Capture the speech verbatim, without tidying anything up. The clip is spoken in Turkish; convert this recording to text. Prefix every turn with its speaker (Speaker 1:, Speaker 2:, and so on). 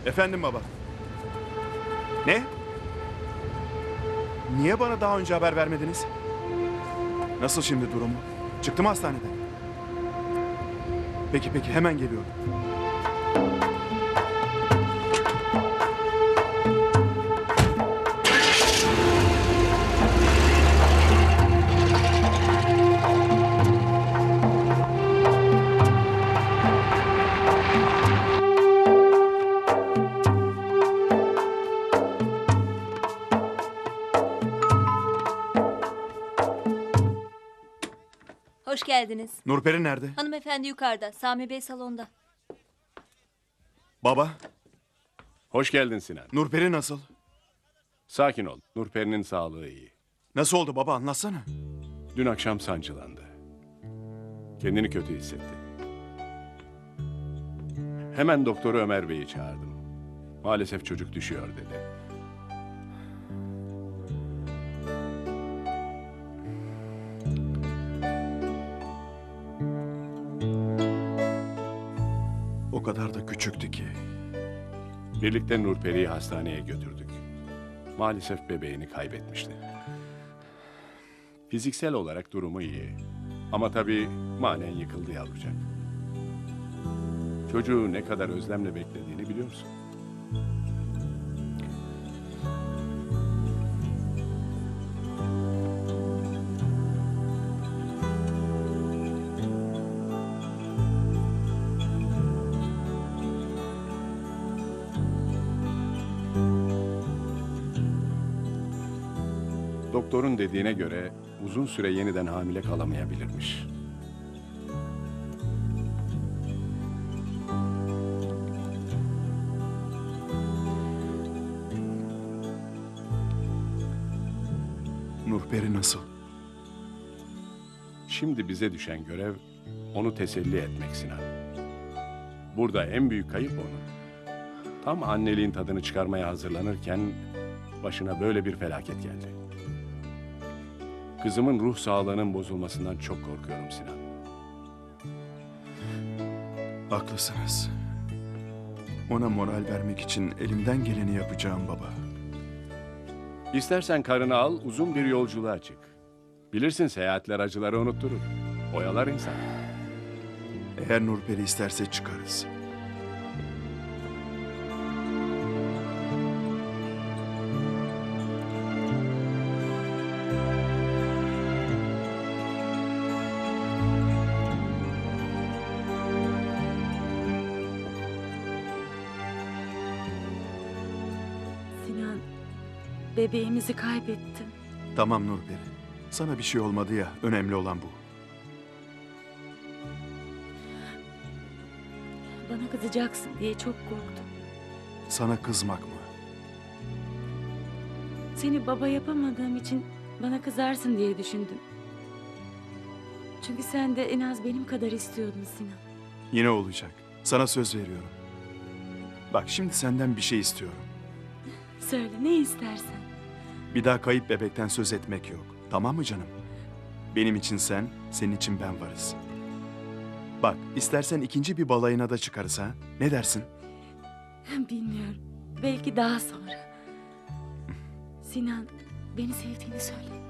Speaker 1: Efendim baba. Ne? Niye bana daha önce haber vermediniz? Nasıl şimdi durumu? Çıktı mı hastaneden? Peki peki hemen geliyorum.
Speaker 2: Hoş geldiniz.
Speaker 1: Nurperi nerede?
Speaker 2: Hanımefendi yukarıda. Sami Bey salonda.
Speaker 1: Baba,
Speaker 3: Hoş geldin Sinan.
Speaker 1: Nurperi nasıl?
Speaker 3: Sakin ol. Nurperi'nin sağlığı iyi.
Speaker 1: Nasıl oldu baba anlatsana.
Speaker 3: Dün akşam sancılandı. Kendini kötü hissetti. Hemen doktoru Ömer Bey'i çağırdım. Maalesef çocuk düşüyor dedi.
Speaker 1: O kadar da küçüktü ki.
Speaker 3: Birlikte Nurperi'yi hastaneye götürdük. Maalesef bebeğini kaybetmişti. Fiziksel olarak durumu iyi. Ama tabii manen yıkıldı yavrucak. Çocuğu ne kadar özlemle beklediğini biliyorsun. Doktorun dediğine göre uzun süre yeniden hamile kalamayabilirmiş.
Speaker 1: Nurperi nasıl?
Speaker 3: Şimdi bize düşen görev onu teselli etmek Sinan. Burada en büyük kayıp onun. Tam anneliğin tadını çıkarmaya hazırlanırken başına böyle bir felaket geldi. Kızımın ruh sağlığının bozulmasından çok korkuyorum Sinan.
Speaker 1: Haklısınız. Ona moral vermek için elimden geleni yapacağım baba.
Speaker 3: İstersen karını al, uzun bir yolculuğa çık. Bilirsin seyahatler acıları unutturur. Oyalar insan.
Speaker 1: Eğer Nurperi isterse çıkarız.
Speaker 4: Sinan, bebeğimizi kaybettim.
Speaker 1: Tamam Nurperi. Sana bir şey olmadı ya, önemli olan bu.
Speaker 4: Bana kızacaksın diye çok korktum.
Speaker 1: Sana kızmak mı?
Speaker 4: Seni baba yapamadığım için bana kızarsın diye düşündüm. Çünkü sen de en az benim kadar istiyordun Sinan.
Speaker 1: Yine olacak. Sana söz veriyorum. Bak şimdi senden bir şey istiyorum.
Speaker 4: Söyle ne istersen.
Speaker 1: Bir daha kayıp bebekten söz etmek yok. Tamam mı canım? Benim için sen, senin için ben varız. Bak istersen ikinci bir balayına da çıkarız ha. Ne dersin?
Speaker 4: Bilmiyorum. Belki daha sonra. Sinan, beni sevdiğini söyle.